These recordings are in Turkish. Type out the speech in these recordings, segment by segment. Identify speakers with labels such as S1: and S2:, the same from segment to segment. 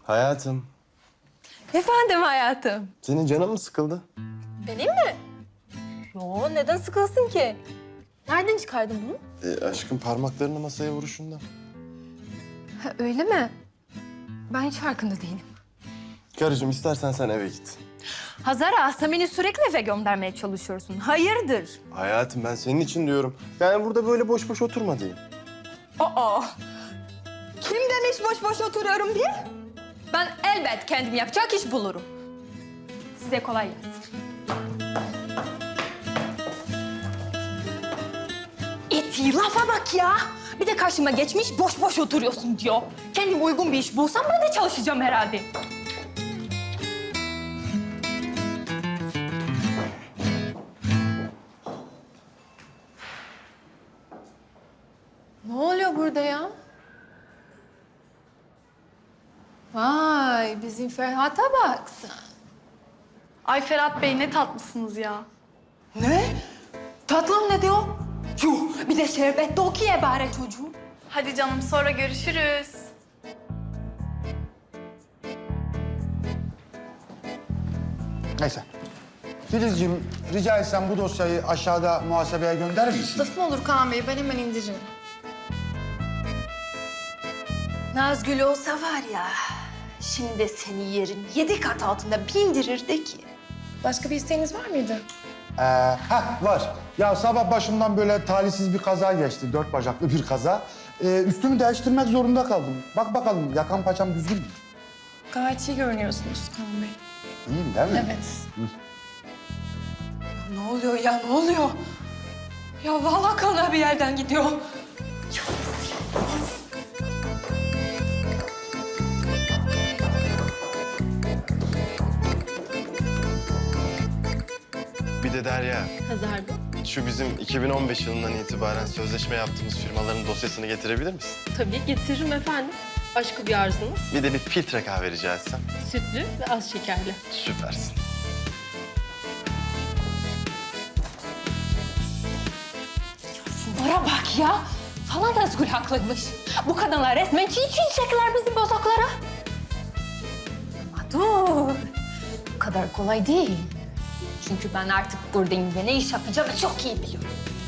S1: Hayatım,
S2: Efendim hayatım.
S1: senin canın mı sıkıldı?
S2: Benim mi? Yo, neden sıkılsın ki? Nereden çıkardın bunu?
S1: Aşkım parmaklarını masaya vuruşundan.
S2: Ha, öyle mi? Ben hiç farkında değilim.
S1: Karıcığım istersen sen eve git.
S2: Hazara, sen beni sürekli eve göndermeye çalışıyorsun. Hayırdır?
S1: Hayatım ben senin için diyorum. Yani burada böyle boş boş oturma diyeyim.
S2: Aa! Kim demiş boş boş oturuyorum diye? Ben elbet kendim yapacak iş bulurum. Size kolay gelsin. İti lafa bak ya. Bir de karşıma geçmiş boş boş oturuyorsun diyor. Kendim uygun bir iş bulsam ben de çalışacağım herhalde. Ne oluyor burada ya? Vay, bizim Ferhat'a bak sen.
S3: Ay Ferhat Bey ne tatlısınız ya.
S2: Ne? Tatlım ne diyor? Yuh, bir de şerbet de okuyor bari çocuğum.
S3: Hadi canım sonra görüşürüz.
S4: Neyse. Filizciğim, rica etsem bu dosyayı aşağıda muhasebeye gönderir misin?
S3: Laf mı olur Kaan Bey? Ben hemen indiririm.
S2: Nazgül olsa var ya, şimdi seni yerin 7 kat altında bindirirdi ki.
S3: Başka bir isteğiniz var mıydı?
S4: Var. Ya sabah başımdan böyle talihsiz bir kaza geçti. 4 bacaklı bir kaza. Üstümü değiştirmek zorunda kaldım. Bak bakalım yakan paçam düzgün mü?
S3: Gayet iyi görünüyorsunuz Kaan Bey.
S4: İyiyim değil mi?
S3: Evet.
S2: Ne oluyor ya, ne oluyor? Ya vallahi kana bir yerden gidiyor.
S1: Bir de Derya,
S3: Hazar'da.
S1: şu bizim 2015 yılından itibaren sözleşme yaptığımız firmaların dosyasını getirebilir misin?
S5: Tabii getiririm efendim. Başka bir arzunuz?
S1: Bir de bir filtre kahve rica etsem.
S5: Sütlü ve az şekerli.
S1: Süpersin.
S2: Şunlara bak ya. Falan Nazgül haklıymış. Bu kadınlar resmen çiğ çiğ çekerler bizim bozoklara. Ama dur. Bu kadar kolay değil. Çünkü ben artık buradayım ve ne iş yapacağımı çok iyi biliyorum.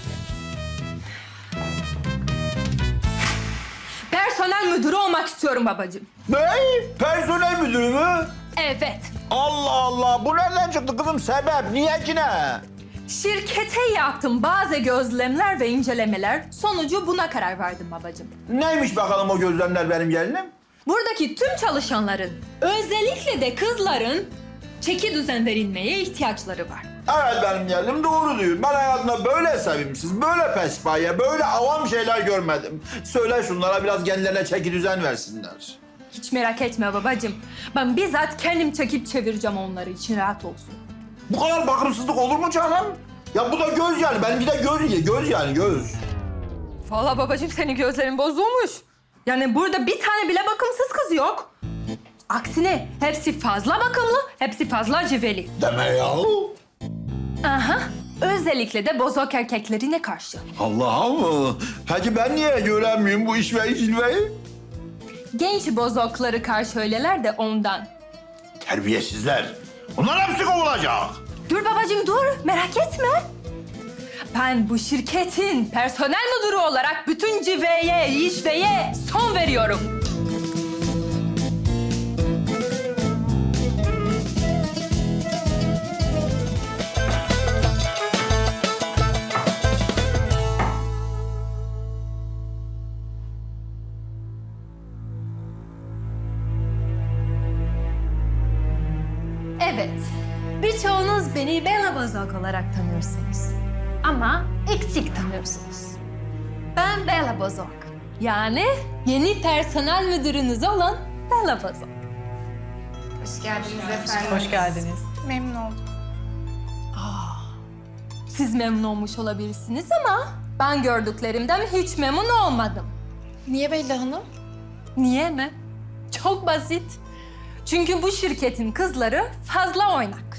S2: Personel müdürü olmak istiyorum babacığım.
S6: Ne? Personel müdürü mü?
S2: Evet.
S6: Allah Allah! Bu nereden çıktı kızım? Sebep? Niye ki ne?
S2: Şirkete yaptım bazı gözlemler ve incelemeler. Sonucu buna karar verdim babacığım.
S6: Neymiş bakalım o gözlemler benim gelinim?
S2: Buradaki tüm çalışanların, özellikle de kızların çeki düzen verilmeye ihtiyaçları var.
S6: Evet benim gelinim doğru diyor. Ben hayatımda böyle sevimsiz, böyle pespaye, böyle avam şeyler görmedim. Söyle şunlara biraz kendilerine çeki düzen versinler.
S2: Hiç merak etme babacığım. Ben bizzat kendim çekip çevireceğim onları için rahat olsun.
S6: Bu kadar bakımsızlık olur mu canım? Ya bu da göz yani. Benimki de göz yani göz.
S2: Vallahi babacığım senin gözlerin bozulmuş. Yani burada bir tane bile bakımsız kız yok. Aksine hepsi fazla bakımlı, hepsi fazla civeli.
S6: Deme ya.
S2: Aha. Özellikle de bozok erkeklerine karşı.
S6: Allah'ım. Peki ben niye göremiyorum bu işveyi cilveyi?
S2: Genç bozokları karşı öyleler de ondan.
S6: Terbiyesizler. Onlar hepsi kovulacak.
S2: Dur babacığım dur, merak etme. Ben bu şirketin personel müdürü olarak bütün civeye, işveye son veriyorum. Evet, birçoğunuz beni Bella Bozok olarak tanıyorsunuz. Ama eksik tanıyorsunuz. Ben Bella Bozok. Yani yeni personel müdürünüz olan Bella Bozok.
S3: Hoş geldiniz efendim.
S5: Hoş geldiniz.
S3: Memnun oldum.
S2: Siz memnun olmuş olabilirsiniz ama ben gördüklerimden hiç memnun olmadım.
S3: Niye Bella Hanım?
S2: Niye mi? Çok basit. Çünkü bu şirketin kızları fazla oynak.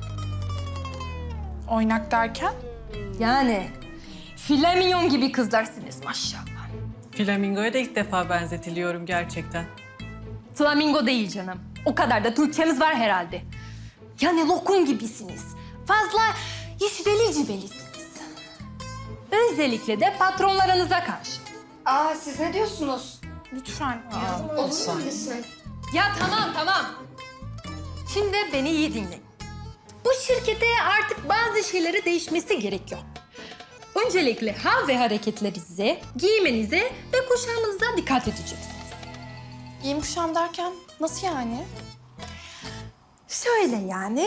S3: Oynak derken?
S2: Yani flamingon gibi kızlarsınız maşallah.
S5: Flamingo'ya da ilk defa benzetiliyorum gerçekten.
S2: Flamingo değil canım. O kadar da Türkçemiz var herhalde. Yani lokum gibisiniz. Fazla işveli civelisiniz. Özellikle de patronlarınıza karşı.
S7: Aa siz ne diyorsunuz?
S3: Lütfen.
S7: Olur mu lütfen?
S2: Ya tamam. Şimdi beni iyi dinleyin. Bu şirkete artık bazı şeyleri değişmesi gerekiyor. Öncelikle hal ve hareketlerinize, giyimenize ve kuşamınıza dikkat edeceksiniz.
S3: Giyim kuşam derken nasıl yani?
S2: Şöyle yani.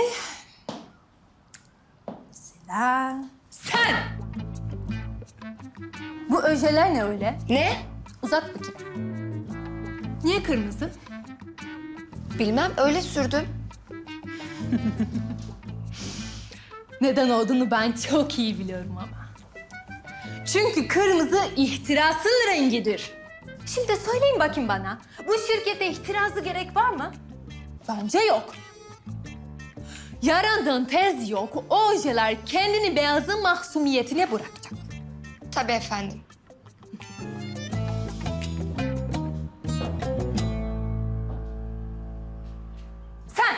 S2: Mesela sen. Bu öjeler ne öyle?
S7: Ne?
S2: Uzat bakayım. Niye kırmızı?
S7: Bilmem öyle sürdüm.
S2: Neden olduğunu ben çok iyi biliyorum ama. Çünkü kırmızı ihtirasın rengidir. Şimdi söyleyin bakayım bana. Bu şirkete ihtirası gerek var mı? Bence yok. Yarından tez yok. O ojeler kendini beyazın mahsumiyetine bırakacak.
S7: Tabii efendim.
S2: Sen!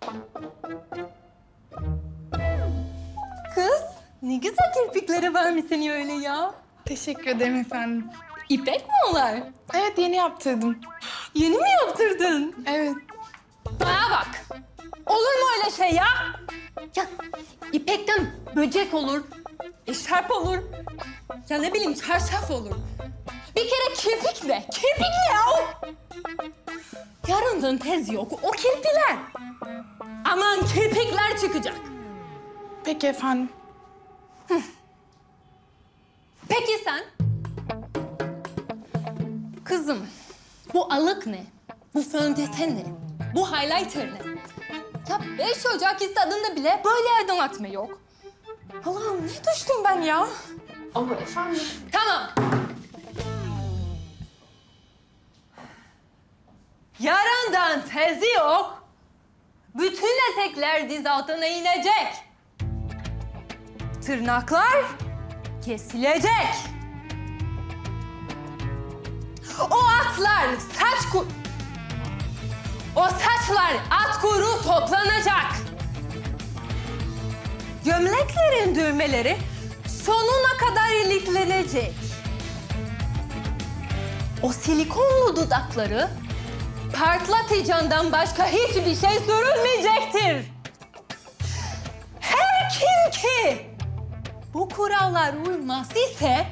S2: Kız, ne güzel kirpikleri varmış senin öyle ya.
S3: Teşekkür ederim efendim.
S2: İpek mi onlar?
S3: Evet yeni yaptırdım.
S2: Yeni mi yaptırdın?
S3: Evet.
S2: Bana bak. Olur mu öyle şey ya? Ya ipekten böcek olur, eşarp olur. Ya ne bileyim çarşaf olur. Bir kere kirpik ne? Kirpik ne ya? Yarından tez yok. O kirpiler. Aman kirpikler çıkacak.
S3: Peki efendim.
S2: Peki sen? Kızım, bu alık ne? Bu fondöten ne? Bu highlighter ne? Ya 5 Ocak istadında bile böyle adım atma yok. Allah'ım ne düştüm ben ya?
S7: Ama efendim.
S2: Tamam. Yarından tezi yok. Bütün etekler diz altına inecek. Tırnaklar kesilecek. O atlar O saçlar at kuyruğu toplanacak. Gömleklerin düğmeleri sonuna kadar iliklenecek. O silikonlu dudakları parlatıcından başka hiçbir şey sürülmeyecektir. Her kim ki bu kurallar uymaz ise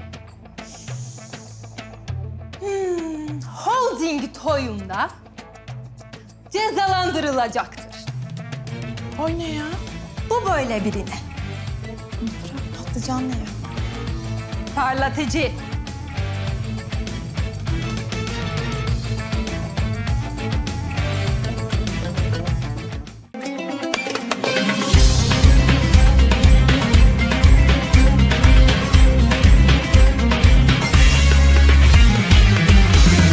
S2: holding toyunda cezalandırılacaktır.
S3: Oy ne ya?
S2: Bu böyle birine.
S3: Patlıcan ne ya?
S2: Parlatıcı.